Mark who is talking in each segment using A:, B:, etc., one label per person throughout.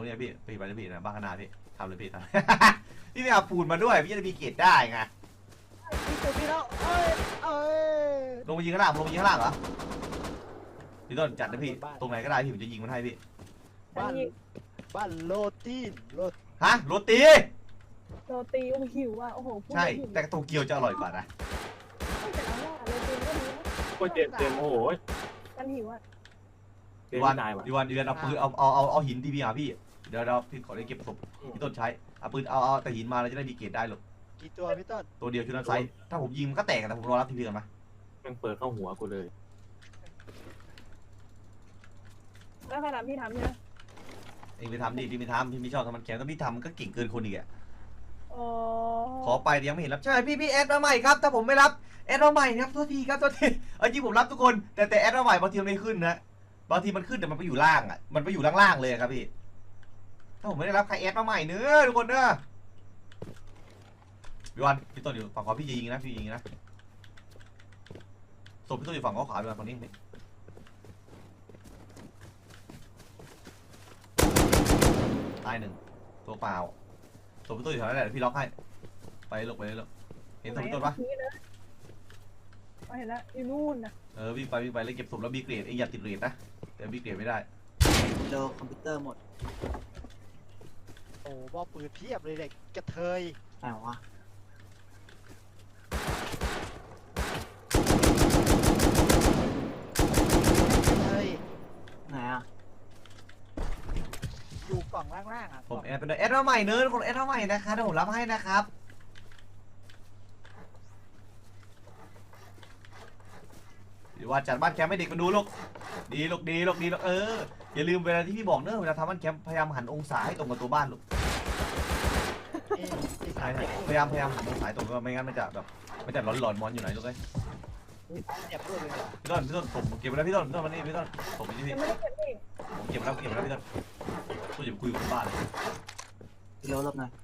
A: รงนี้พี่ไปเลยพี่นะบ้านขนาดพี่ทำเลยพี่ทำพี่ไม่เอาปูนมาด้วยพี่จะมีเกรดได้ไง
B: พี่แล้ว
A: ลงไปยิงข้างล่างลงไปยิงข้างล่างเหรอพี่ต้นจัดนะพี่ตรงไหนก็ได้พี่ผมจะยิงมันให้พี่
B: บ้านโรตี
A: ฮะโรตี
C: โรตีโอ้หิวอ่ะโอ้โห
A: ใช่แต่โตเกียวจะอร่อยกว่านะ
C: แต่เอาว่าโรตีก็ดีนะ
D: ก็เจ็บโอ้โห
C: กันหิวอ่ะ
A: ดีวันเอาปืนเอาหินดีพี่พี่เดี๋ยวพี่ขอได้เก็บศพพี่ต้นใช้เอาปืนเอาแต่หินมาเราจะได้มีเกรดได้หรอก
B: กี่ตัวพี่ต้น
A: ตัวเดียวชุดนั้นไซส์ถ้าผมยิงมันก็แตกแต่ผมรอรับทีพีกันมา
D: มันเปิดเข้าหัวกูเลย
C: แล้วขนาดพี่ทำเนี่ย
A: เองไปทำดิพี่ไม่ทำพี่ไม่ชอบทำมันแข็งถ้าพี่ทำมันก็เก่งเกินคนอีกอ่ะ
C: อ๋อ
A: ขอไปยังไม่เห็นรับใช่พี่แอดมาใหม่ครับถ้าผมไม่รับแอดมาใหม่ครับโทษทีครับโทษทีจริงผมรับทุกคนแต่แอดมาใหม่บางทีมันไม่ขึ้นนะบางทีมันขึ้นแต่มันไปอยู่ล่างอ่ะมันไปอยู่ล่างๆเลยครับพี่ถ้าผมไม่ได้รับใครแอดมาใหม่เนื้อทุกคนเนื้อพี่วันพี่ต้นอยู่ฝั่งขวาพี่จะยิงนะพี่ยิงนะศพพี่ต้นอยู่ฝั่งขวาพี่วันฝั่งนี้ตายหนึ่งตัวเปล่าศพพี่ต้นอยู่แถวนั้นแหละพี่ล็อกให้ไปลงไปเลยลงเห็นศพพี่ต้นปะ
C: เห็นแล้วอยู่นู่นนะ
A: วิ่งไปแล้วเก็บศพแล้วมีเกรดเองอย่าติดเกรดนะแต่มีเกรดไม่ได้
E: โดนคอมพิวเตอร์หมด
B: โอ้บอปืนเพียบเลยเด็กกระเทย
E: ไหนวะไหนอ่ะ
B: อยู่กล่องล่างๆอ่ะ
A: ผมแอดเป็นแอดมาใหม่เนื้อคนแอดมาใหม่นะคะเดี๋ยวผมรับให้นะครับว่าจัดบ้านแคมป์ให้เด็กมาดูลูกดีอย่าลืมเวลาที่พี่บอกเนอะเวลาทำบ้านแคมป์พยายามหันองศาให้ตรงกับตัวบ้านลูกใช่พยายามหันองศาตรงกันไม่งั้นมันจะแบบมันจะหลอนมอนอยู่ไหนลูกเอ้ย
B: เจ็บด้วยเลย
A: พี่ต้นผมเก็บไปแล้วพี่ต้นวันนี้พี่ต้นผมไปที่พี่ผมเก็บแล้วพี่ต้นตัวอย่าคุยกับบ้านเลย
E: พี่โรบหน่อย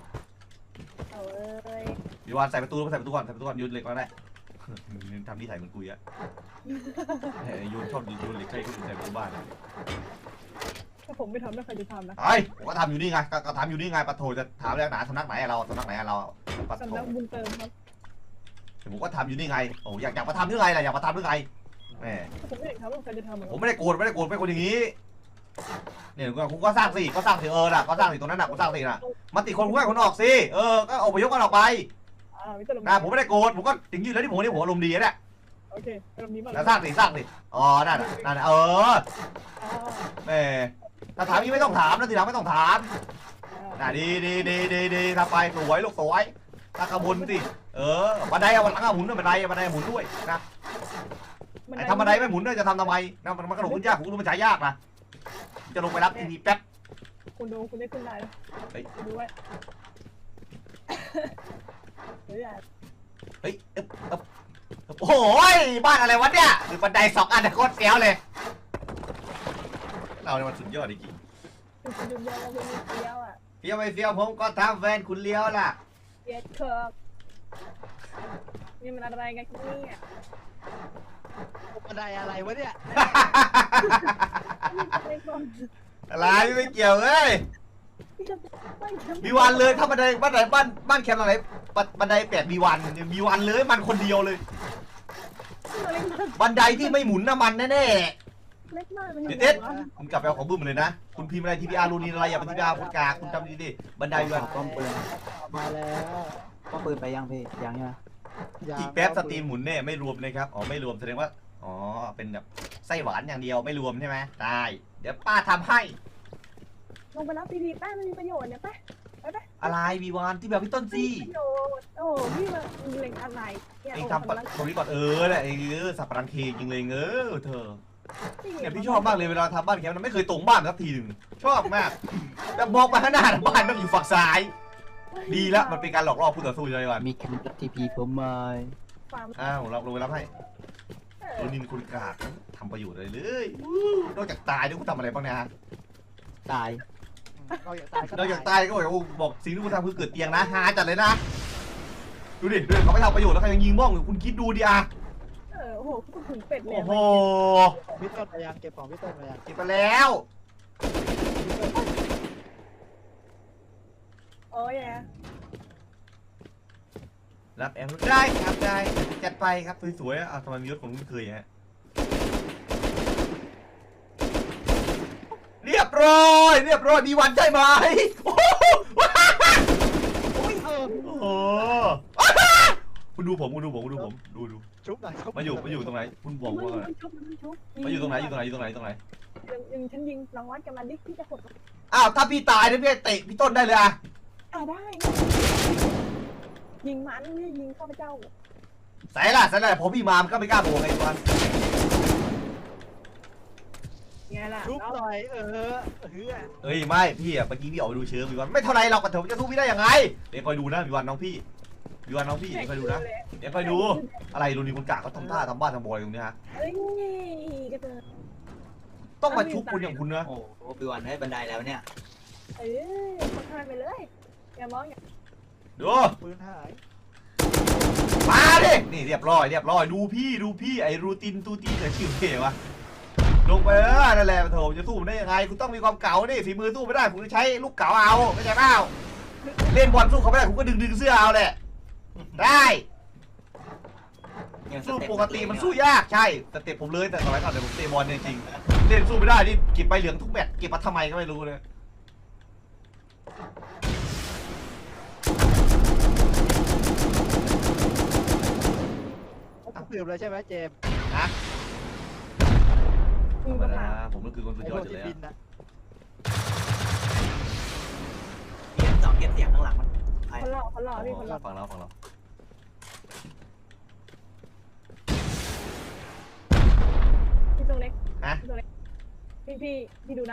A: พี่วานใส่ประตูก่อนยืนเหล็กก็ได้ทำที่ถ่ายเหมือนกุยอะโยนชอบโยนเหล็กใครก็อยู่ใส่ประตูบ้าน
C: ถ้าผมไม่ทำแล้วใครจะทำนะ
A: ผมก็ทำอยู่นี่ไงก็ทำอยู่นี่ไงปะโถจะถามเรื่องไหนสำนักไหนเราสำนักไหนเรา
C: ปะโถสำนักบุญเติมครับ
A: ผมก็ทำอยู่นี่ไงโอ้อยากมาทำเรื่องอะไรล่ะอยากมาทำเรื่องอะไรแม่
C: ผมไม่ได้ทำแล้วใครจะทำ
A: ผมไม่ได้โกรธเป็นคนอย่างนี้เนี่ยคุณก็สร้างสิก็สร้างสิน่ะก็สร้างสิตรงนั้นน่ะก็สร้างสิน่ะมาติคนผู้ให้คนออกสิก็อพยพกันออกไปผมไม่ได้โกรธผมก็ถึงยืนแล้วที่ผมนี่ผมอารมณ์ดีเนี่ย
C: โอเคอารมณ์ดีมาก
A: แล้วสร้างสิอ๋อนั่นแม่ถ้าถามนี่ไม่ต้องถามนะทีหลังไม่ต้องถามดีทำไปสวยลูกสวยถ้าขบวนสิบันไดวันหลังหมุนด้วยบันไดหมุนด้วยนะไอ้ทำบันไดไม่หมุนด้วยจะทำไมนะมันกระโดดขึ้นยากผมรู้มันใช้ยากนะจะลงไปรับทีแป๊บ
C: คุณดูคุณได้ขึ้นได้แล้วดูไว้
A: เฮ้ยโอ้ยบ้านอะไรวะเนี่ยหรือบันได2 อันโคตรเสียวเลยเราเนี่ยมันสุดยอดจริงเฟี้ยวไม่เฟี้ยวผมก็ทำแฟนคุณเลี้ยวล่ะ
C: เฟี้ยวเคิร์กนี่มันอะไรกันเนี่ย
B: บันไดอะไรวะเนี่ย
A: อะไรไม่เกี่ยวเลยมีวันเลยถ้าบันไดบ้านแคมป์อะไรบันได8 มีวันเลยมันคนเดียวเลยบันไดที่ไม่หมุนน้ำมันแน่
C: เล็กมาก
A: เด็ดคุณกลับไปเอาของบึ้มเลยนะคุณพิมพ์อะไรทีพีอาร์รูนีอะไรอย่าไปทีพีอาร์คนกากคุณจำดีๆบันไดวัน
E: ป้อมปืน
B: มาแล้ว
E: ป้อมปืนไปยังพี่ยังใช่ไหม
A: อีกแป๊บสตรีมหมุนเนี่ยไม่รวมเลยครับไม่รวมแสดงว่าเป็นแบบไส้หวานอย่างเดียวไม่รวมใช่ไหมได้เดี๋ยวป้าทำให้
C: ลงไปรับทีแป้ไม่มีประโยชน์เนี่ยไป
A: อะไรวีวานที่แบบพี่ต้นซี่
C: โอ้พี่มาเล็งอะไร
A: เองทำตรงนี้ก่อนแหละสับปะรังเคจริงเลยเธอเนี่ยพี่ชอบมากเลยเวลาทำบ้านแคมป์มันไม่เคยตรงบ้านสักทีหนึ่งชอบมากแต่มองไปข้างหน้าบ้านมันอยู่ฝั่งซ้ายดีแล้วมันเป็นการหลอกล่อผู้ต่อสู้เลยว่ะ
E: มีคิวทีพีผมมา
A: ผมลงไปรับให้นินคุณกากทำประโยชน์อะไรเลยนอกจากตายด้วยคุณทำอะไรบ้างเนี่ยฮะ
E: ตาย
A: นอกจากตายก็บอกสิ่งที่คุณทำคือเกิดเตียงนะหาจัดเลยนะดูดิเขาไม่ทำประโยชน์แล้วใครยังยิงบ้องคุณคิดดูดิ
C: โอ้โหคุณถึงเป็ดเลย
A: โอ้โห
B: พี่ต้นไปยังเก็บของพี่ต้นไปยัง
A: เก็บไปแล้ว
C: อ้ย
A: รับแอมได้ครับได้จัดไปครับสวยๆอ่ะทำไมมียศผมไม่เคยฮะเรียบร้อยมีวันใช่ไหมโอ้โห
B: อุ้ย
A: โอ้โหคุณดูผมดู
B: ชุบหน่อยชุบ
A: มาอยู่ตรงไหนคุณบอกว่าอะไร
C: ชุบ
A: มาอยู่ตรงไหนตรงไหน
C: ฉันยิงรางวัลกันมาดิพี่จะกด
A: อ้าวถ้าพี่ตายเนี่ยพี่เตะพี่ต้นได้เลยอะ
C: ได้ยิงมันไม่ยิงข้าพเจ้า
A: ใส่ละผมพี่มามันก็ไม่กล้าโบกไอ้วัน
C: ไงล่ะ
B: ชุบหน่อย
A: เอ้ยไม่พี่อะเมื่อกี้พี่ออกไปดูเชื้อพี่วันไม่เท่าไรเรากระเถิบจะสู้พี่ได้ยังไงเดี๋ยวคอยดูนะพี่วันน้องพี่เดี๋ยวคอยดูนะเดี๋ยวคอยดูอะไรรุ่นนี้คนกะเขาทำท่าทำบ้านทำบอยตรงนี้ฮะ
C: เอ้ยกระเตอ
A: ต้องมาชุบคุณอย่างคุณนะ
E: โอ้โหปีวันได้บันไดแล้วเนี่ย
C: เอ้ยคนทานไปเลยอย่ามองอย่า
A: ดู
B: ปืนหาย
A: มาดินี่เรียบร้อยดูพี่ไอ้รูตินตูตีแต่ชื่อเก๋วะลงไปนั่นแหละโถจะสู้มันได้ยังไงคุณต้องมีความเก่าดิฝีมือสู้ไม่ได้ผมจะใช้ลูกเก่าเอาไม่ใช่เปล่าเล่นบอลสู้เขาไม่ได้ผมก็ดึงเสื้อเอาแหละได้สู้ปกติมันสู้ยากใช่แต่เตะผมเลยแต่สมัยก่อนเดี๋ยวผมเตะบอลจริงๆเล่นสู้ไม่ได้นี่เก็บใบเหลืองทุกแมตช์เก็บมาทำไมก็ไม่รู้เลย
B: เปลี่ยนเลยใช่ไหมเจม
A: นะธ
C: ยิ
A: รง รม
C: กระ
A: ดา
C: ถาง
A: ผมก็คือคนสุด
B: ไอ้
A: ย
B: พ
A: อ
B: ว
A: ด
B: ก
A: อยู่
B: ที่
A: แล้ว
B: บินนะ
E: เก็บเสียงข้างหลังมันใคร
C: คนหล่อพี่คนหล่อ
A: ฝั่งเรา
C: พี่ตัวเล็ก
A: ฮะ
C: พี่ตัวเล็กพี่ดูนะ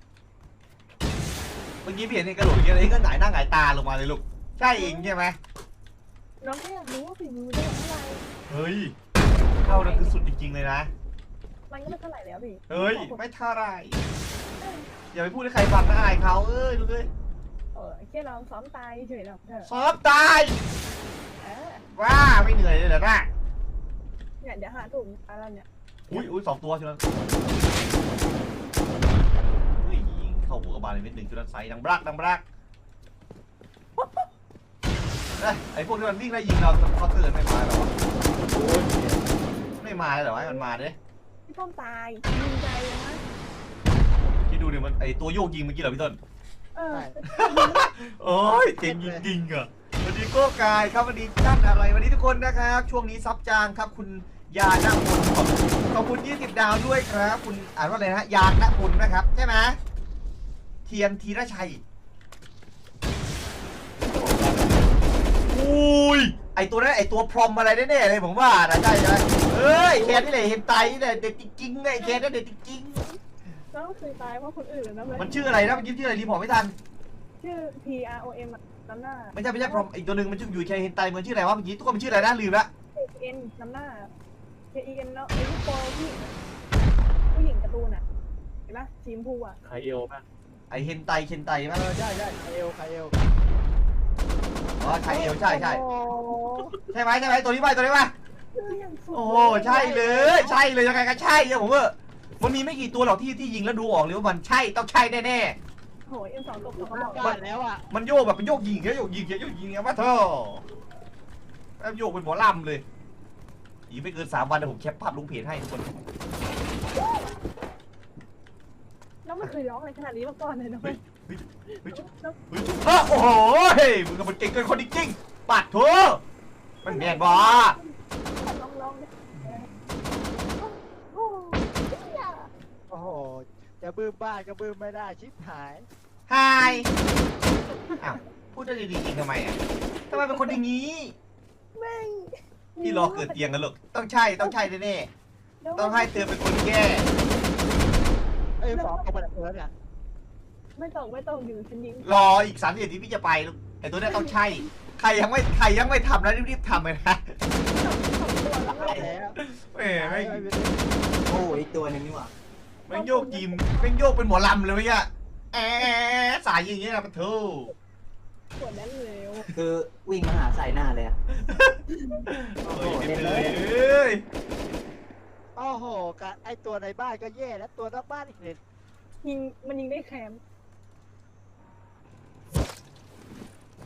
A: เมื่อกี้พี่เห็นในกระโดดอย่างเงี้ยไอ้ก็หงายหน้าหงายตาลงมาเลยลูกใช่เองใช่ไหม
C: น้องแค่อยากรู้ว่าฝีมือได้เท่าไหร่
A: เฮ้ยเท่านั้นคือสุดจริงๆเลยนะ
C: มันก็ไม่เท่าไหร่แล้วพี่
A: เฮ้ยไม่เท่าไรอย่าไปพูดให้ใครฟังนะอายเขาดูเลย
C: แค่ลองซ้อมตายเฉยๆหรอก
A: ซ้อมตายว้าไม่เหนื่อยเลยเหรอนะ
C: เนี่ยเดี๋ยวหาถุงอะไรเนี่ย
A: อุ้ย2 ตัวใช่ไหมเฮ้ยยิงเข้าหัวกระบาลเลยเม็ดหนึ่งจุดนั้นไซดังบลักไอ้พวกที่มันวิ่งไล่ยิงเราเขาเตือนไม่มาหรอวะไม่มาเลยเหรอวะมันมาเด้
C: พี่ต้อมตายยิงใจเลยนะ
A: คิดดูดิมันไอตัวโยกยิงเมื่อกี้เหรอพี่ต้น
B: ใช่
A: โอ้ยเจ๋งจริงๆอ่ะสวัสดีโก้กายครับสวัสดีท่านอะไรวันนี้ทุกคนนะครับช่วงนี้ซับจางครับคุณยาณพลขอบคุณ20 ดาวด้วยครับคุณอ่านว่าอะไรนะยาณพลนะครับใช่ไหมเทียนธีรชัยอุ้ยไอตัวนั้นไอตัวพรอมอะไรแน่ๆเลยผมว่านะใช่ไหมเอ้ยแคนนี่แหละเห็นไตนี่แหละเด็ดจริงๆไอแคนนั่นเด็ดจริง
C: แล้วเคยตายเพราะคนอื่นนะ
A: ๆมันชื่ออะไรนะมันชื่ออะไรรีพอร์ตไม่ทัน
C: ชื่อ PROM น้ำหน้า
A: ไม่ใช่พรอมอีกตัวหนึ่งมันชื่ออยู่แคนเห็นไตมันชื่ออะไรวะเมื่อกี้ทุกคนมันชื่ออะไรนะลืมละ
C: KN น้ำหน้า KEN เนาะไอ้ลูกโป่งผู้หญิงการ์ตูนอ่ะเห็นปะสีชมพูอ่ะ
D: ใครเอวป่ะ
A: ไอเฮนไตมั้ย
B: ใช่ไคเอล
A: อ๋อใช่เอวใช่
B: โอ้
A: ใช่ไหมตัวนี้ไหมโอ้โหใช่เลยยังไงก็ใช่เนี่ยผมว่ามันมีไม่กี่ตัวหรอกที่ยิงแล้วดูออกเลยว่ามันใช่ต้องใช่แน่
C: โหเอ็มสองตก
B: โห
C: เขาบอก
B: บ้านแล้วอ่ะ
A: ๆมันโยกแบบเป็นโยกยิงโยกยิงมาเถอะแล้วโยกเป็นหมอลำเลยอีกไม่เกิน3 วันนะผมแคปภาพลงเพจให้ทุกคน
C: แล้วไม่เคยร้องอะไรขนาดนี้มาก่อนเลยนะเว้ย
A: โอ้โหมึงก็มันเก่งเกินคนจริงๆปัดเถอะมันแม่นบ่
C: ลองดิ
B: โอ้โหจะบื้มบ้านก็บื้มไม่ได้ชิบหาย
A: ไฮอ้าวพูดได้ดีๆจริงทำไมอ่ะทำไมเป็นคนอย่างนี้
C: แม่ง
A: พี่รอเกิดเตียงกันลูกต้องใช่แน่ๆต้องให้เตือนเป็นคนแก้
B: ไอ้สองเอาไปแบบเอิร์ธอ่ะ
C: ไม่ต้องอยู่ฉันยิง
A: รออีก3 นาทีพี่จะไปลูกไอ้ตัวนี้ต้องใช่ใครยังไม่ทำนะรีบๆทำเลยนะ
B: แล้ว
A: แหมไม่
E: โอ้อีกตัวหนึงนี่หว่า
A: ไม่โยกยิมไม่โยกเป็นหมอลำเลยเมื่อกี้สายอย่างเงี้ยนะปะทู
C: ปวดแน่นเร็ว
E: คือวิ่งมาหาใส่หน้าเลยอะ
A: โอ้ยเด็ดเลยเอ้ย
B: โอ้โหไอ้ตัวในบ้านก็แย่แล้วตัวนอกบ้านอีกเลย
C: มันยิงได้แคม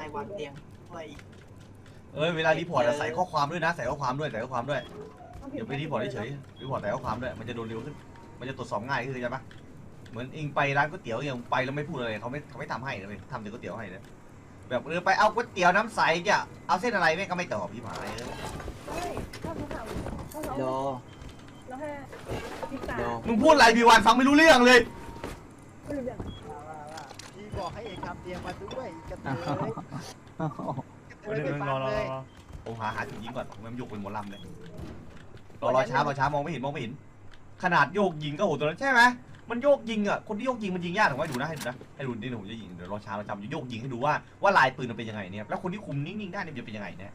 E: วางเตียงไว้
A: เวลารีพอร์ตอะใส่ข้อความด้วยนะใส่ข้อความด้วยใส่ข้อความด้วย
C: ต้องผิด
A: เดี๋ยวไปรีพอร์ตเฉยๆรีพอร์ตใส่ข้อความด้วยมันจะโดนเร็วขึ้นมันจะตรวจสอบง่ายขึ้นใช่ปะเหมือนเองไปร้านก๋วยเตี๋ยวอย่างไปแล้วไม่พูดอะไรเขาไม่ทำให้เลยทำแต่ก๋วยเตี๋ยวให้เลยแบบไปเอาก๋วยเตี๋ยวน้ำใสเนี่ยเอาเส้นอะไรแม่งก็ไม่ตอบพี่หมาย
C: เฮ้ยถ้าเขาถามถ้าเขา
E: โด
C: แล้วแค่พิการ
E: โด
A: มึงพูดอะไรพี่วันฟังไม่รู้เรื่องเลย
C: ไม่รู้เรื่อง
B: ว่าพี่บอกให้เองทำเตียงมาด้วยกระเทยกระเทย
A: เดี๋
B: ไป
A: ยว
B: ฟังเลย
A: ผมหาจุดยิงก่อนมันโยกเป็นหมอลำเลยรอช้ามองไม่เห็นขนาดโยกยิงก็โหตัวนั้นใช่ไหมมันโยกยิงอ่ะคนที่โยกยิงมันยิงยากถูกไหมดูนะให้ดูนี่ผมจะยิงเดี๋ยวรอช้าเราจำจะโยกยิงให้ดูว่าลายปืนมันเป็นยังไงเนี่ยแล้วคนที่คุมนิ่งๆได้เนี่ยจะเป็นยังไงเนี่ย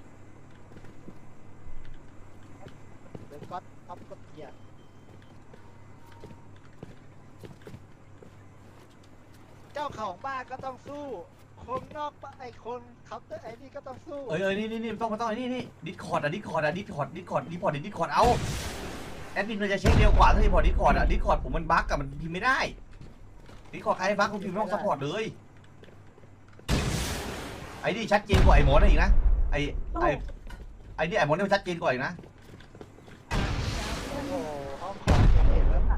B: เดี๋ยวก๊อตท็อปกดเกียร์เจ้าของบ้านก็ต้องสู้คนนอกบ้านไอ้คนเคาน์เตอร์ไอ้นี่ก็ต้องสู้
A: นี่ต้องไอ้นี่ดิสคอร์ดเอาแอดมินมันจะเช็คเร็วกว่าถ้าดิสคอร์ดดิสคอร์ดผมมันบั๊กกับมันพิมพ์ไม่ได้ดิสคอร์ดใครบั๊กคุณพิมพ์ไม่ต้องซัพพอร์ตเลยไอ้นี่ชัดเจนกว่าไอ้หมอนั่นอีกนะไอ้นี่ไอ้หมอนี่มันชัดเจนกว่าอีกนะ
B: โอ้โหห้องของเห็นแล้วน่ะ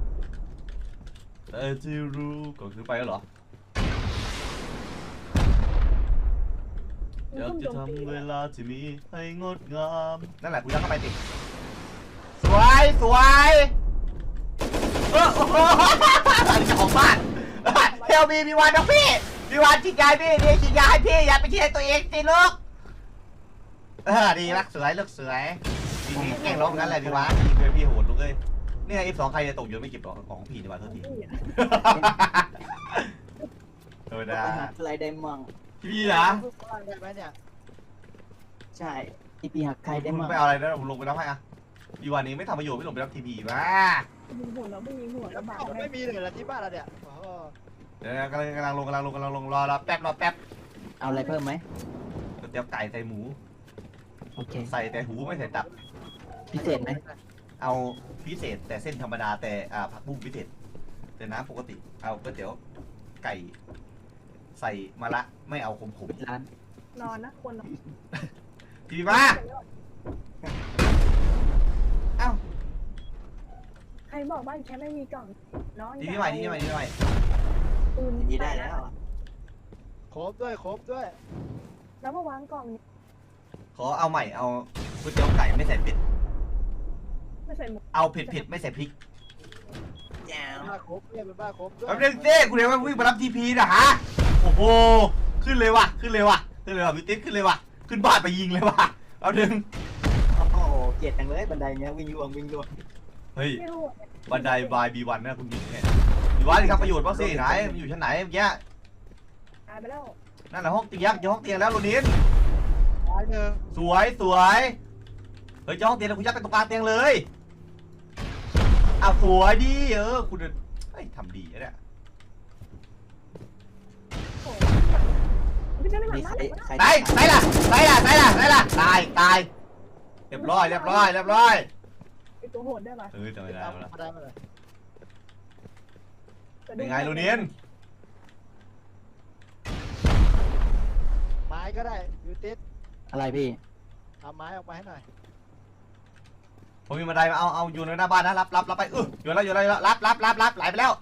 A: ที่รู้ก็คือไปแล้วเหรออยากจะทำเวลาที่มีให้งดงามนั่นแหละคุณยักเข้าไปติสวยโอ้โหอันนี้เจ้าของบ้านเฮลมีวันนะพี่มีวันฉีดยาพี่นี่ฉีดยาให้พี่อย่าไปฉีดให้ตัวเองสิลูกดีรักสวยเลือกสวยจริงๆแกล้งร้องงั้นแหละพี่วะพี่โหดลูกเอ้ยเนี่ยF2ใครจะตกอยู่ไม่เก็บหรอกของพี่ดีกว่าเท่าทีธรรมดา
E: อะไรได้มั่ง
A: พี่นะ
B: สู้บ้านได้ไหมเนี่ย
E: ใช่ที่ปีหักใครได้
A: มึง
E: มั่ง
A: ไปเอาอะไรนะผมลงไปรับให้อะพี่วันนี้ไม่ทำประโยชน์ไม่ลงไปรับทีพีมา
C: ยิงหัวเราไม่ยิงหัว
B: แล้ว
C: ลำบาก
B: ของ
C: เล
B: ไม่
C: ย
B: มีเลยเหรอที่บ้านเราเนี่ยโอ้โห
A: เดี๋ยวกำลังลงรอแป๊บ
E: เอาอะไรเพิ่มไหม
A: ก๋วยเตี๋ยวไก่ใส่หมู
E: โอเค
A: ใส่แต่หูไม่ใส่ตับ
E: พิเศษไหม
A: เอาพิเศษแต่เส้นธรรมดาแต่ผักบุ้งพิเศษแต่น้ำปกติเอาก๋วยเตี๋ยวไก่ใส่มะระไม่เอาขม
E: ปิดร้าน
C: นอนนะควรนอน
A: ๆทีมาเอ้า
C: ใครบอกบ้านแค่ไม่มีกล่องน้อง
A: ทีใหม่
C: ปืน
E: ดีได้แล้ว
B: ครบด้วย
C: แล้วมาวางกล่อง
A: ขอเอาใหม่เอาก๋วยเตี๋ยวไก่ไม่ใส่เผ็ด
C: ไม่ใส่หมวก
A: เอาเผ็ดไม่ใส่พริก
E: แจ๋ว
B: บ้าครบด้วยเป็นบ้าครบด้วย
A: แป๊บนึงเต้คุณเดี๋ยวมันวิ่งมารับทีพีนะฮะโอ้โหขึ้นเลยว่ะพี่ติ๊ดขึ้นเลยว่ะขึ้นบ้านไปยิงเลยว่ะเอาดึง
E: โอ้โหเกลียดจังเลยบันไดเนี้ยวิ่งยวง
A: เฮ้ย
C: ไม่รู้
A: บันไดบายB1นะคุณหญิงเนี่ยB1นี่ครับประโยชน์บ้างสิไหนมันอยู่ชั้นไหนเมื่อกี้
C: ตายไปแล้ว
A: นั่นแหละห้องเตียงห้องเตียงแล้วโรนิน
B: ร้อยหนึ่ง
A: สวยเฮ้ยห้องเตียงแล้วคุณยัดไปตรงกลางเตียงเลยอ้าวสวยดีคุณเฮ้ยทำดีนะเนี่ย
C: โอ้ไม่ใช่ไม่หลั
E: มี
C: ง
E: ใค
C: บ้าร น
E: ใคร
A: ไหนล่ะตายเรียบร้อย
C: ไอตัวโหดได้ปะ
A: จำไม่ได้
B: เอา
A: แล้ว
B: มาได้มาเลย
A: เป็นไงโรนิน
B: ไม้ก็ได้ยูติส
E: อะไรพี่
B: เอาไม้ออกมาให้หน่อย
A: ผมมีบันไดมาเอาอยู่ในหน้าบ้านนะรับไปอยู่แล้วรับไหลไปแล้ว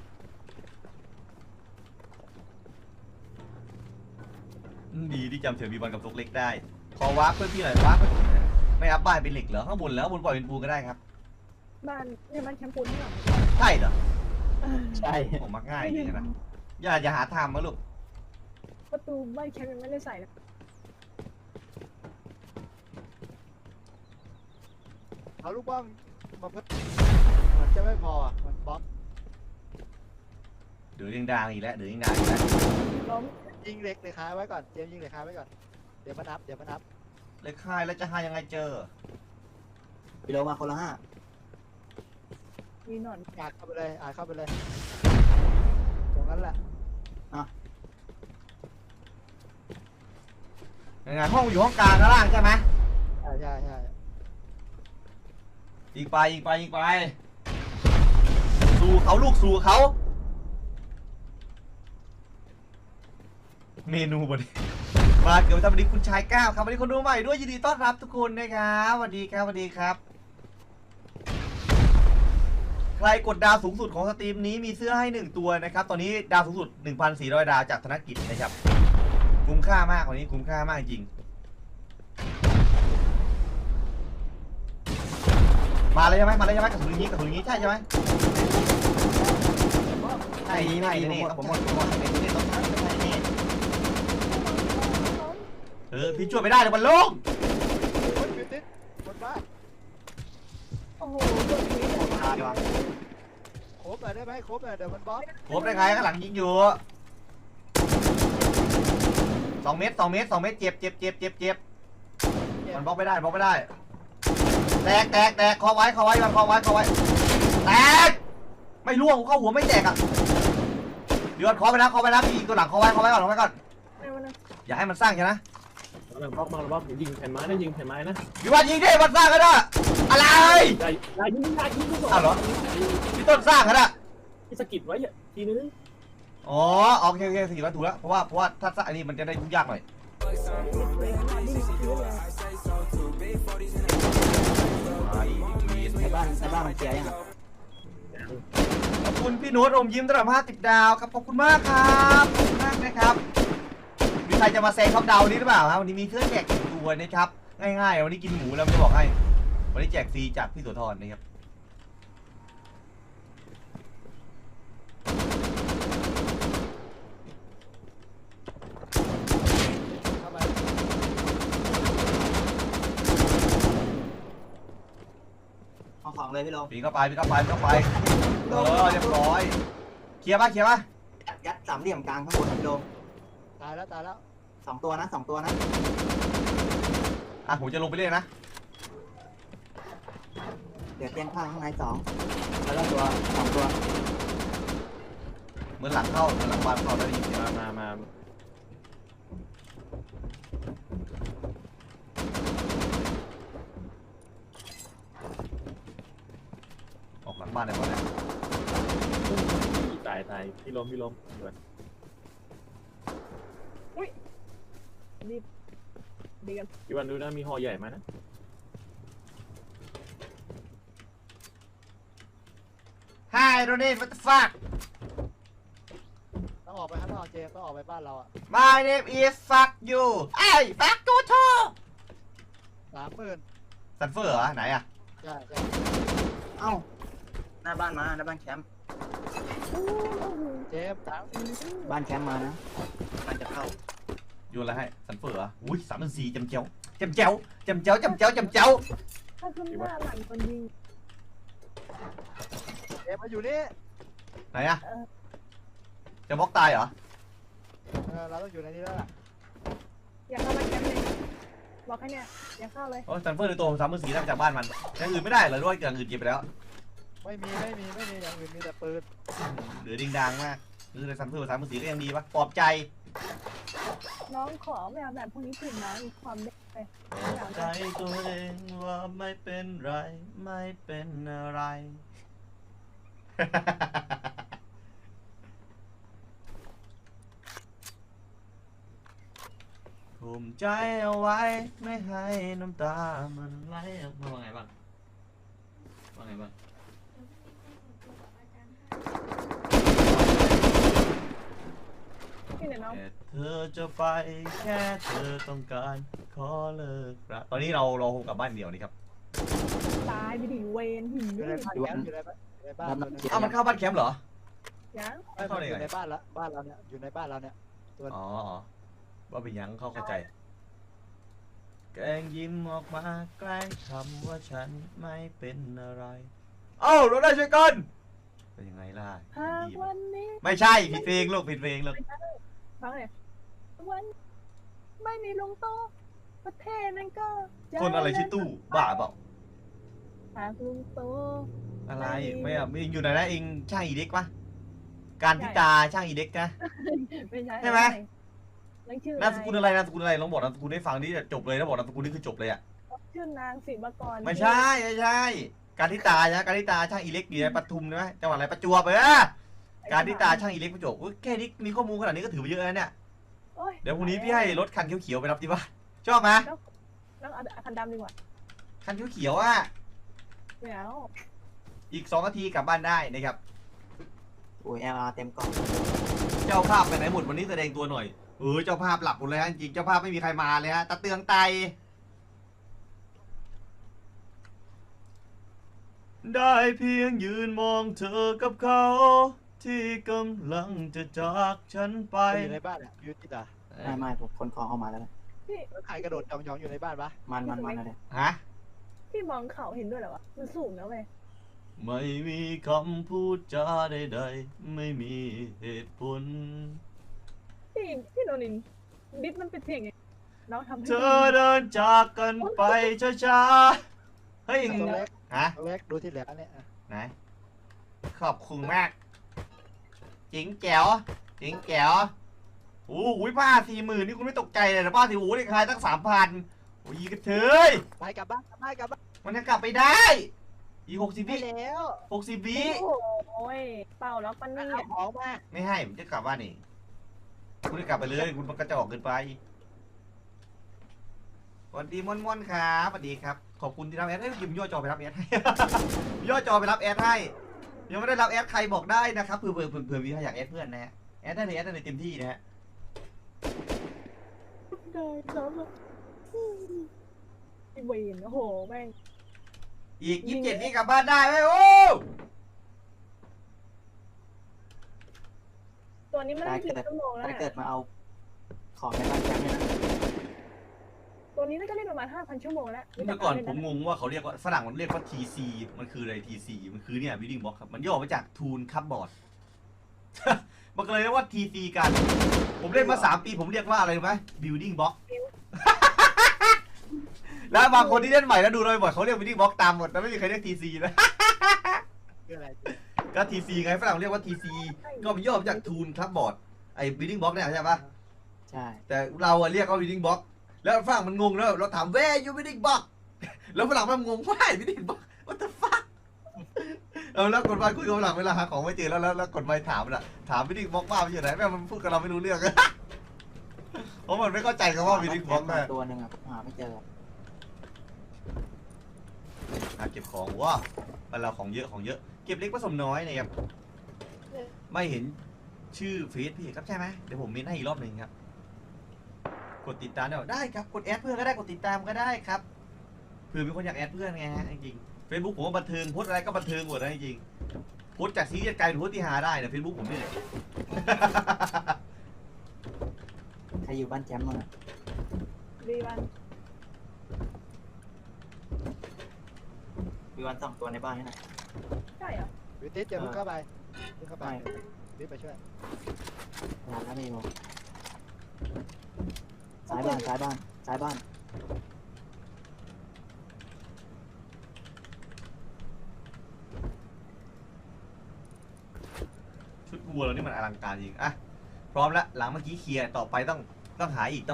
A: ดีที่จำเสียงB1กับตุกเล็กได้ขอวาร์ปเพื่อนพี่หน่อยวาร์ปไม่อัพบ้านเป็นเหล็กเหรอข้างบนแล้วบนปล่อยเป็นปูนก็ได้ครับ
C: บ้านเนี่ยมันแคมปูนที่หลัง
A: ใช่เหรอ
E: ใช่
A: ผมมักง่ายจริงนะอย่าหาทำมาลูก
C: ประตูบ้านแคมยังไม่ได้ใส่เลย
B: เอาลูกบ้องมาเพิ่มมันจะไม่พออ่ะมันบล็อก
A: เดือดยังดังอีกแล้ว
C: ล้ม
B: ยิงเหล็กค้าไว้ก่อนเจมยิงเหล็กค้าไว้ก่อนเดี๋ยวมานับ
A: เลยค่ายแล้วจะหายังไงเจอ
E: พี่โลมาคนละห้า
C: มีหนอน
B: อ่านเข้าไปเลยตรงนั้นแหละ
A: ยังไงห้องอยู่ห้องกลางข้างล่างใช่ไหม
B: ใช่
A: ยิงไปสู่เขาลูกสู่เขาเมนูบนมาเกิดวันนี้คุณชายก้าวครับวันนี้คนดูใหม่ด้วยยินดีต้อนรับทุกคนนะครับสวัสดีครับสวัสดีครับ ใครกดดาวสูงสุดของสตรีมนี้มีเสื้อให้1ตัวนะครับตอนนี้ดาวสูงสุด 1,400 ดาวจากธนกิจนะครับคุ้มค่ามากวันนี้คุ้มค่ามากจริงมาเลยใช่ไหมกระสุนอย่างนี้ใช่ไหมใช่นี่ผมหมดเป็นที่ต้องทำไม่ใช่นี่พี่ช่วยไม่ได้เลยมันโล่ง
B: โอ้ยติดบนบ้าน
C: โอ้โหกดนี้
E: ตายว่ะ
B: โคบหน่อยได้ไหมโคบหน่อยเดี๋ยวมันบล็อก
A: ครบได้ไงข้างหลังยิงอยู่2 เมตรเจ็บมันบล็อกไม่ได้แตกคอไว้แตกไม่ล่วงเข้าหัวไม่แตกอ่ะเดือดคอไปแล้วพี่ตัวหลังคอไว้ก่อนอย่าให้มันสร้างใช่ไหม
D: บล็อกมายิงแผ่นไม้นะ
A: พี่วันยิงดิมันสร้างกันอะอะไร
D: อย่ายิงก็บอก
A: อ้าวเหรอพี่ต้นสร้างกันอะ
D: ที่สะกิดไว้ทีนึง
A: อ๋อโอเคสิถูกแล้วเพราะว่าถ้าสร้างอันนี้มันจะได้ยุ่งยากหน่อย
E: ในบ้านมันเสียยัง
A: ขอบคุณพี่โน้ตอมยิ้มตลอด50 ดาวครับขอบคุณมากครับขอบคุณมากนะครับมีใครจะมาแซงท็อปดาวนี้หรือเปล่าครับวันนี้มีเสื้อแจก1ตัวนะครับง่ายๆวันนี้กินหมูแล้วจะบอกให้วันนี้แจกฟรีจากพี่โสธรนะครับ
B: เข้าไป
E: เอาของเลยพี่โล
A: ปีเข้าไปเรียบร้อยเคลียร์ป่ะ
E: ยัดสามเหลี่ยมกลางข้างบนพี่โล
B: ตายแล้ว
E: 2 ตัวนะ
A: อ่ะผมจะลงไปเล่นนะ
E: เดี๋ยวเตียงข้างใน2แล้วก็2 ตัว
A: เหมือนหลังบ้านเข้าได้ยินเสียง
D: มา
A: ออกหลังบ้านได้ป่ะเนี่ย
D: ตายพี่ล้มด่วน
C: ดีกัน
D: พี่วันดูนะมีห่อใหญ่มานะ
A: Hi Ronnie what the fuck
B: ต้องออกไปข้างนอกเจมส์ต้องออกไปบ้านเราอ่ะ
A: My name is fuck you ไอ้ fuck you too
B: 30,000
A: ซันเฟอร์เหรอไหนอะ
B: ใช่
E: เอ้าหน้าบ้านแคมป์
B: เจมส์
E: บ้านแคมป์มานะมันจะเข้า
A: โยนอะไรให้ซันเฟอร์เหรออุ้ย3,400จำเจ้า
C: ถ้าขึ้นหน้าหลังคนยิง
B: เจมส์มาอยู่นี่
A: ไหนอะจะบล็อกตายเหรอ
B: เราต้องอยู่ในนี้แล้วล่ะ
C: อย่าเข้ามาแคมป์เลยบอกให้เนี่ยอย่าเข้าเลย
A: โอ้ซันเฟอร์ในตัวผม3,400ได้มาจากบ้านมันอย่างอื่นไม่ได้เหรอด้วยอย่างอื่นเก็บไปแล้ว
B: ไม่มีอย่างอื่นมีแต่ปืน
A: เหลือดิงดังมากคือซันเฟอร์3,400ก็ยังดีปะปลอบใจ
C: น้องขอไม่เอาแบบพวกนี้คืนนะมีความเด็กไป
A: ปลอบใจตัวเองว่าไม่เป็นไรไม่เป็นอะไร ภูมิใจเอาไว้ไม่ให้น้ำตามันไหลออกมาว่าไงบ้าง
C: พี่เนี่ยน้อง
A: แค่เธอจะไปแค่เธอต้องการขอเลิกรักตอนนี้เราคงกลับบ้านเดียวนี่ครับ
C: ตายไปดิเวนหิน
B: อยู่ในบ้านอยู่ในบ้าน
A: อ้าวมันเข้าบ้านแคมป์เหรอ
C: ยัง
B: อยู่ในบ้านเราเนี่ยอยู่ในบ้านเราเนี่ย
A: อ๋อว่าเป็นยังเข้าใจแกล้งยิ้มออกมาแกล้งทำว่าฉันไม่เป็นอะไรเอ้าเราได้ช่วยกันเป็นยังไงล่ะ
C: หาก
A: ดี
C: วันนี้
A: ไม่ใช่ผิดเพลงลูกผิดเพลงลูก
C: ฟังเลยวันไม่มีลุงโตประเทศนั้นก็
A: คนอะไรชื่อตู้บ้าเปล่า
C: หากลุงโต
A: อะไรไม่อะเองอยู่ไหนนะเองช่างอีเด็กปะการพิตาช่างอีเด็กนะ
C: ไม่ใช่
A: ใช่ไหม
C: นั่นชื่อน
A: ามสกุลอะไรลองบอกนามสกุลให้ฟังดิจบเลยนะบอกนามสกุลนี่คือจบเลยอ่ะ
C: ชื่อนางศิวกร
A: ไม่ใช่การทิตานะการทิตาช่างอีเล็กอยู่ในปทุมใช่ไหมจังหวัดอะไรประจวบการทิตาช่างอีเล็กประจวบแค่นี้มีข้อมูลขนาดนี้ก็ถือว่าเยอะแล้วเนี่ย
C: โอ้ย
A: เดี๋ยวพรุ่งนี้พี่ให้รถคันเขียวๆไปรับที่บ้านชอบไหม
C: แล้วเอาคันดำดีกว่า
A: คันเขียวๆอ่ะ
C: ไม่เอา
A: อีก2 นาทีกลับบ้านได้นะครับ
E: โอ้ย LR เต็มกล่อง
A: เจ้าภาพไปไหนหมดวันนี้แสดงตัวหน่อยเจ้าภาพหลับหมดเลยฮะจริงๆเจ้าภาพไม่มีใครมาเลยฮะตะเตืองไตได้เพียงยืนมองเธอกับเขา ที่กำลังจะจากฉันไป
B: อยู่ในบ้านอ่ะบิวตี้อ่ะ
E: ไม่ผมคนคอเข้ามาแล้วนะ
B: แล้วใครกระโดดจองๆอยู่ในบ้านปะ
E: มันอะไร
A: ฮะ
C: พี่มองเขาเห็นด้วยเหรอวะมันสูงนะเว้ย
A: ไม่มีคำพูดจาใดๆไม่มีเหตุผล
C: พี่โนนินดิสมันเป็นเพลงไงน้องทำให้
A: เธอเดินจากกันไปช้าๆเฮ้ย
B: ตัวเล็ก
A: ฮะ
B: ตัวเล็กดูที่เหลือเนี่ยอ่ะ
A: ไหนขอบคุณมากจิงแจ๋วจิงแจ๋วโอ้โหผ้า40,000นี่คุณไม่ตกใจเลยนะผ้าสีหูนี่ขายตั้ง3,000โอ้ยกระเทย
B: ไปกลับบ้านกลับบ้าน
A: มันจะกลับไปได้อีก60
B: ไป
A: วิ
B: แล้ว
A: 60 วิ
C: โอ้ยเป่าแล้วปันนี่
B: เอาของมา
A: ไม่ให้ผมจะกลับบ้านนี่คุณจะกลับไปเลยคุณมันกระจอกเกินไปสวัสดีม่อนๆครับสวัสดีครับขอบคุณที่รับแอดให้ยิมย่อจอไปรับแอดให้ ย่อจอไปรับแอดให้ยังไม่ได้รับแอดใครบอกได้นะครับเผื่อมีใครอยากแอดเพื่อนนะฮะแอดได้เลยแอดได้เลยเต็มที่นะฮะ
C: ได้ครับไอเวนโอ้โหแม่ง
A: อีก27นี่กลับบ้านได้ไหมโอ้
C: ตัวนี้มันได้กี่ชั่วโมงแล้ว
E: ถ้า
C: เนี่ย
E: เกิดมาเอาของในบ้านแก๊งเนี่ยนะ
C: ตัวนี้น่าจะเล่นประมาณ 5,000 ชั่วโมงแล้ว
A: เมื่อก่อนผมงงว่าเขาเรียกว่าฝรั่งมันเรียกว่า TC มันคืออะไร TC มันคือเนี่ย building block ครับมันย่อมาจาก Tool Cupboard มันก็เลยเรียกว่า TC กัน ผมเล่นมา3 ปีผมเรียกว่าอะไรรู้ไหม building block แล้วบางคนที่เล่นใหม่แล้วดูบ่อยๆเขาเรียก building block ตามหมดแล้วไม่มีใครเรียก TC นะ
B: คืออะไร
A: ก็ TC ไงฝรั่งเรียกว่า TC ก็มันย่อมาจาก Tool Cupboard ไอ้ building block เนี่ยใช่ปะ
E: ใช่
A: แต่เราอะเรียกว่า building block แล้วฝรั่งมันงงแล้วเราถาม where you building block แล้วฝรั่งมันงง why building block what the fuck แล้วกดไปคุยกับฝรั่งเวลาหาของไม่เจอแล้วกดไปถามน่ะถาม building block ว่ามันอยู่ไหนแม่งมันพูดกับเราไม่รู้เรื่อง เพราะมันไม่เข้าใจคำว่า building block นะ
E: ตัวหนึ่งอ่ะผมหาไม่เจอ
A: เก็บของว้ามันเราของเยอะเก็บเล็กผสมน้อยนะครับไม่เห็นชื่อเฟซพี่ครับใช่ไหมเดี๋ยวผมเมนให้อีกรอบหนึ่งครับกดติดตามได้ครับกดแอดเพื่อนก็ได้กดติดตามก็ได้ครับเผื่อมีคนอยากแอดเพื่อนไงฮะจริงๆ Facebook ผมว่าบันเทิงโพสอะไรก็บันเทิงหมดนะจริงๆโพสจากซีรีส์กลายเป็นโพสที่หาได้นะ Facebook ผมนี่แหละ
E: ใครอยู่บ้านแก๊งมั้งอ่ะ
C: ดีวัน
E: มีวัน2 ตัวในบ้านนี่นะ
C: ใช่เหรอ
B: บิวตี้จะพึ่งเข้าไปพึ่งเข้าไปรีบไปช่วย
E: งานแล้วมีมั้งซ้ายบ้าน
A: ชุดวัวเรานี่มันอลังการจริงอ่ะพร้อมแล้วหลังเมื่อกี้เคลียร์ต่อไปต้องหาอีก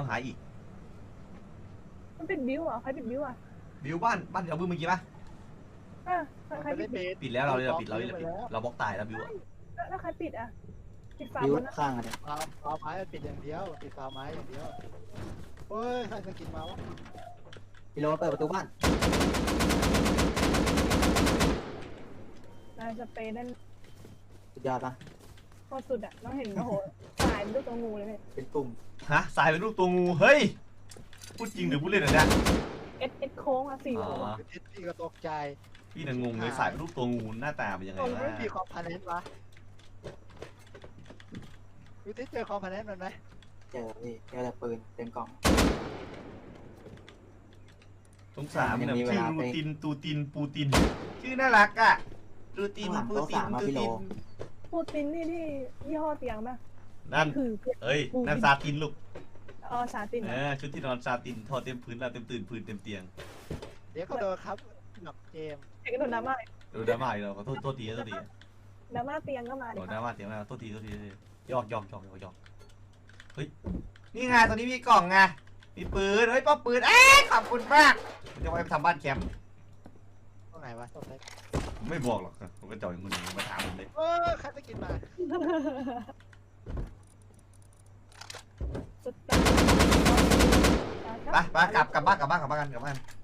C: มันเป็นบิวอ่ะใครเป็นบิวอ่ะ
A: บิวบ้านเราเมื่อกี้ปะ
C: ใคร
B: ไป
C: ปิ
B: เล่
C: ด
B: นเบส
A: ปิดแล้วเราปิดเราบล็อกตายแล้วบิวอะ
C: แล้วใครปิดอ่ะปิดฝา
E: บิว
C: บนนะ
E: ข้างอ่ะเนี่ย
B: ฟาวไม้ปิดอย่างเดียวปิดฟาวไม้อย่างเดียวเฮ้ยใครจะกินมาวะ
E: พี่โรเปิดประตูบ้าน
C: นายสเปรย์นั่น
E: สุดยอดปะ
C: โคตรสุดอ่ะน้องเห็นโอ้โหสายเป็นลูกตัวงูเลยเนี่ย
E: เป็นกลุ่ม
A: ฮะสายเป็นรูปตัวงูเฮ้ยพูดจริงหรือพูดเล่นอะเนี่ย
C: เอสโค้งอ่ะ4
A: อ๋
C: โล
A: อ
B: พี่ก็ตกใจ
A: พี่น่ะงงเลยสายเป็นรูปตัวงูหน้าตาเป็นยังไง
B: มัน
A: วะ
B: ไม่มีคอมพาเนนต์วะบิวตี้เจอคอมพาเนนต์มันไหม
E: เจอพี่เจอแต่ปืนเต็มกล่อง
A: สงสารมัน
E: ยังมี
A: เนี่ย
E: เว
A: ชื่อ
E: ลา
A: รู
E: ไป
A: ตินตูตินปูตินชื่อน่ารักอ่ะรูติน
E: ข้างหลัง
A: ปู
E: โต๊ะ
A: ติน
E: สามอะ
A: ตู
E: พี่โล
A: ติน
C: พูดตินนี่ที่ยี่ห้อเตียงป่ะ
A: นั่น
C: คือ
A: เอ้ยนั่นซาตินลูก
C: สาติน
A: ชุดที่นอนซาตินทอเต็มพื้นเราเต็มตื่นพื้นเต็มเตียง
B: เดี๋ยวก็โดนครับกับเจมส์
C: เอกโดนดราม่า
A: ดูดราม่าอีกแล้วขอโทษที
C: ดราม่าเตียงก็มาดิ
A: โดนดราม่าเสียงแล้วโทษทียอกเฮ้ยนี่ไงตอนนี้มีกล่องไงมีปืนเฮ้ยป้อมปืนขอบคุณมากผมจะไปทำบ้านแคมป์
B: ตรงไหนวะตรงไหน
A: ผมไม่บอกหรอกผมก็จ่อยคนนึงมาถามผมเลย
B: ใครจะกินมา
C: ส
A: ไปกลับบ้าน